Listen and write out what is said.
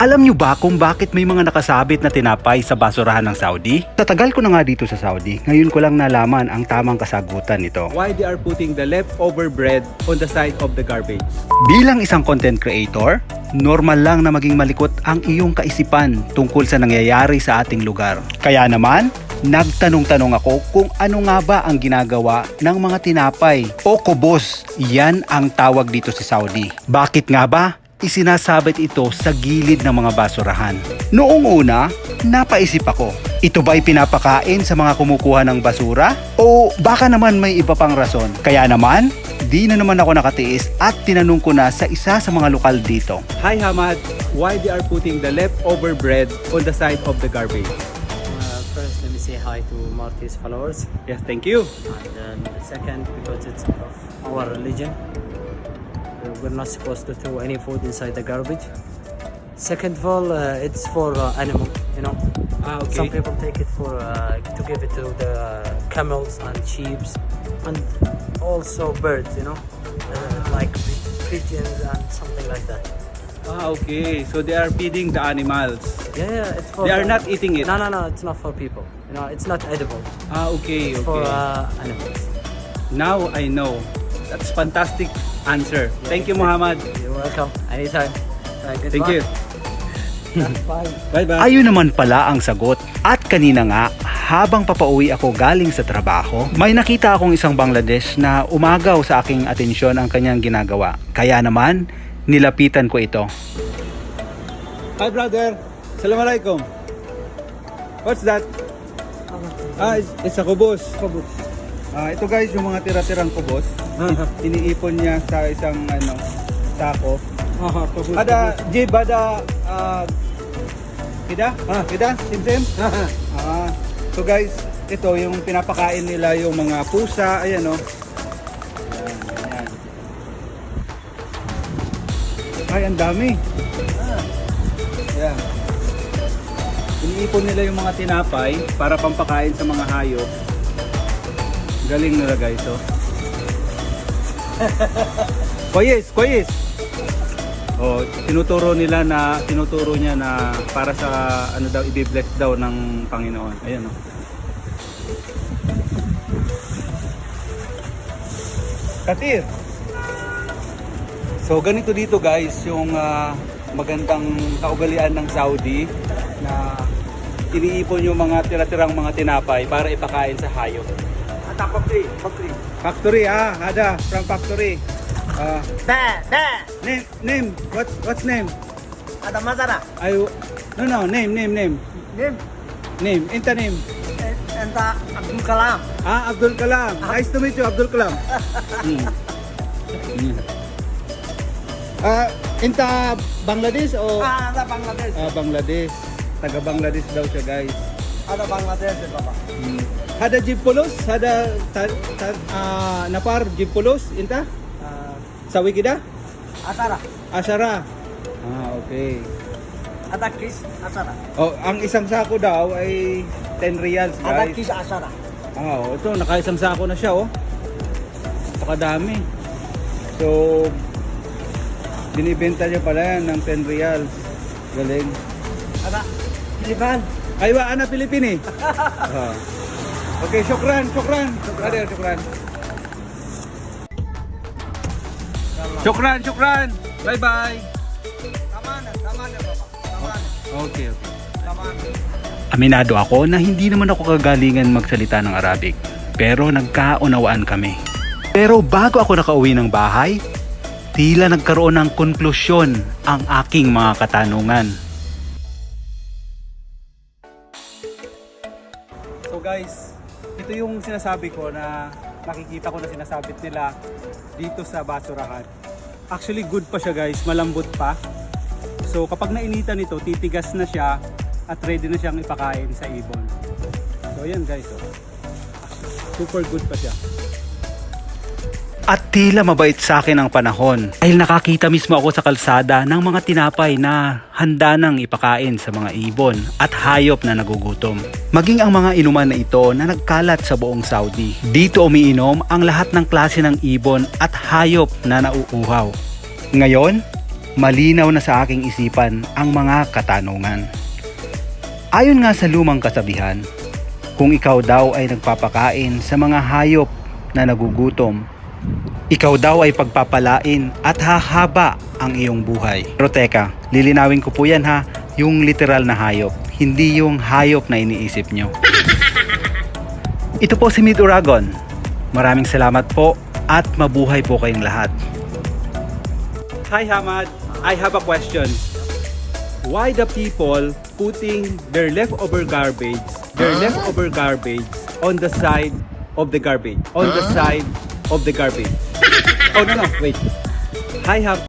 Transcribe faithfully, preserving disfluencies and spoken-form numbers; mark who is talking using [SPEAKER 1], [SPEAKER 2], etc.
[SPEAKER 1] Alam nyo ba kung bakit may mga nakasabit na tinapay sa basurahan ng Saudi? Sa tagal ko na nga dito sa Saudi, ngayon ko lang nalaman ang tamang kasagutan nito.
[SPEAKER 2] Why they are putting the leftover bread on the side of the garbage?
[SPEAKER 1] Bilang isang content creator, normal lang na maging malikot ang iyong kaisipan tungkol sa nangyayari sa ating lugar. Kaya naman, nagtanong-tanong ako kung ano nga ba ang ginagawa ng mga tinapay o kubos. Yan ang tawag dito sa Saudi. Bakit nga ba isinasabit ito sa gilid ng mga basurahan? Noong una, napaisip ako, ito ba'y pinapakain sa mga kumukuha ng basura? O baka naman may iba pang rason? Kaya naman, di na naman ako nakatiis at tinanong ko na sa isa sa mga lokal dito.
[SPEAKER 2] Hi Hamad, why they are putting the leftover bread on the side of the garbage?
[SPEAKER 3] Uh, first, let me say hi to Marty's followers.
[SPEAKER 2] Yes, thank you.
[SPEAKER 3] And then second, because it's of our religion, we're not supposed to throw any food inside the garbage. Second of all, uh, it's for uh, animal, you know.
[SPEAKER 2] Ah, okay.
[SPEAKER 3] Some people take it for uh, to give it to the camels and sheep, and also birds, you know, uh, like pigeons and something like that.
[SPEAKER 2] Ah, okay. So they are feeding the animals.
[SPEAKER 3] Yeah, yeah, it's for.
[SPEAKER 2] They are
[SPEAKER 3] the-
[SPEAKER 2] not eating it.
[SPEAKER 3] No, no, no, it's not for people. You know, it's not edible.
[SPEAKER 2] Ah, okay,
[SPEAKER 3] It's for
[SPEAKER 2] okay.
[SPEAKER 3] uh, animals.
[SPEAKER 2] Now I know. That's fantastic answer. Thank you, Muhammad.
[SPEAKER 3] You're welcome. Anytime. Uh, good
[SPEAKER 2] Thank
[SPEAKER 3] luck.
[SPEAKER 2] you.
[SPEAKER 3] That's fine.
[SPEAKER 2] Bye-bye.
[SPEAKER 1] Ayun naman pala ang sagot. At kanina nga, habang papauwi ako galing sa trabaho, may nakita akong isang Bangladesh na umagaw sa aking atensyon ang kanyang ginagawa. Kaya naman, nilapitan ko ito.
[SPEAKER 2] Hi, brother. Assalamualaikum. What's that? Ah, it's, it's a kubos. Kubos. Ah, ito guys, yung mga tira-tirang kubos. Iniipon niya sa isang ano, sako. Ada jib, ada ah, kida? Ah, kida? Sim-sim? Ah, so guys, ito yung pinapakain nila yung mga pusa, ayan o. Ayan, ayan. Ay, ang dami. Ayan. Iniipon nila yung mga tinapay para pampakain sa mga hayop. Galing nila guys, oh. Koyes, koyes. Oh, tinuturo nila na tinuturo niya na para sa ano daw i-bless daw ng Panginoon. Ayan oh. Katir. So ganito dito guys yung ah, magandang kaugalian ng Saudi na iniipon yung mga tira-tirang mga tinapay para ipakain sa hayop.
[SPEAKER 4] Ada factory, factory.
[SPEAKER 2] Factory ah, ada from factory. Ah,
[SPEAKER 4] Dah, dah.
[SPEAKER 2] name name what what's name?
[SPEAKER 4] Ada mazara.
[SPEAKER 2] I no no name name name
[SPEAKER 4] Nim,
[SPEAKER 2] name inta name.
[SPEAKER 4] entah Abdul Kalam.
[SPEAKER 2] Ah, Abdul Kalam. Nice to meet you, Abdul Kalam. Hmm. Hmm. Ah, inta Bangladesh o
[SPEAKER 4] Ah, ada Bangladesh.
[SPEAKER 2] ah, Bangladesh. Taga Bangladesh daw siya, guys.
[SPEAKER 4] Ada Bangladesh, Bapak.
[SPEAKER 2] Hmm. Hada Jipulos, hada ta, ta, ah, napar Jipulos inta
[SPEAKER 4] Uh,
[SPEAKER 2] sawi kita?
[SPEAKER 4] Asara.
[SPEAKER 2] Asyara. Ah, okay.
[SPEAKER 4] Ada kis Asara.
[SPEAKER 2] Oh, ang isang sako daw ay ten riyals,
[SPEAKER 4] Ada
[SPEAKER 2] guys.
[SPEAKER 4] kis Asara.
[SPEAKER 2] Ah, oh, ito nakaisang sako na siya, oh. Napakadami. So binibenta niya pala yan ng ten riyals. Galing.
[SPEAKER 4] Ada Pilipan.
[SPEAKER 2] Aywa, ana Pilipini. Ah. Okay, syukran, syukran. Brother, syukran. Syukran, syukran. Bye-bye.
[SPEAKER 4] Taman, taman ya, Bapak. Taman,
[SPEAKER 2] Okay, okay.
[SPEAKER 4] taman.
[SPEAKER 1] Aminado ako na hindi naman ako kagalingan magsalita ng Arabic, pero nagkaunawaan kami. Pero bago ako nakauwi ng bahay, tila nagkaroon ng konklusyon ang aking mga katanungan.
[SPEAKER 2] So guys, ito yung sinasabi ko na nakikita ko na sinasabit nila dito sa basurahan. Actually good pa siya guys, malambot pa. So kapag nainitan ito, titigas na siya at ready na siyang ipakain sa ibon. So ayan guys, oh. Super good pa siya.
[SPEAKER 1] At tila mabait sa akin ang panahon dahil nakakita mismo ako sa kalsada ng mga tinapay na handa nang ipakain sa mga ibon at hayop na nagugutom. Maging ang mga inuman na ito na nagkalat sa buong Saudi. Dito umiinom ang lahat ng klase ng ibon at hayop na nauuhaw. Ngayon, malinaw na sa aking isipan ang mga katanungan. Ayon nga sa lumang kasabihan, kung ikaw daw ay nagpapakain sa mga hayop na nagugutom, ikaw daw ay pagpapalain at hahaba ang iyong buhay. Pero teka, lilinawin ko po yan ha, yung literal na hayop, hindi yung hayop na iniisip nyo. Ito po si Meet Uragon. Maraming salamat po at mabuhay po kayong lahat. Hi Hamad, I have a question. Why the people putting their leftover garbage, their leftover garbage on the side of the garbage, on the side of the garbage? Oh no no, wait. Hi Ham.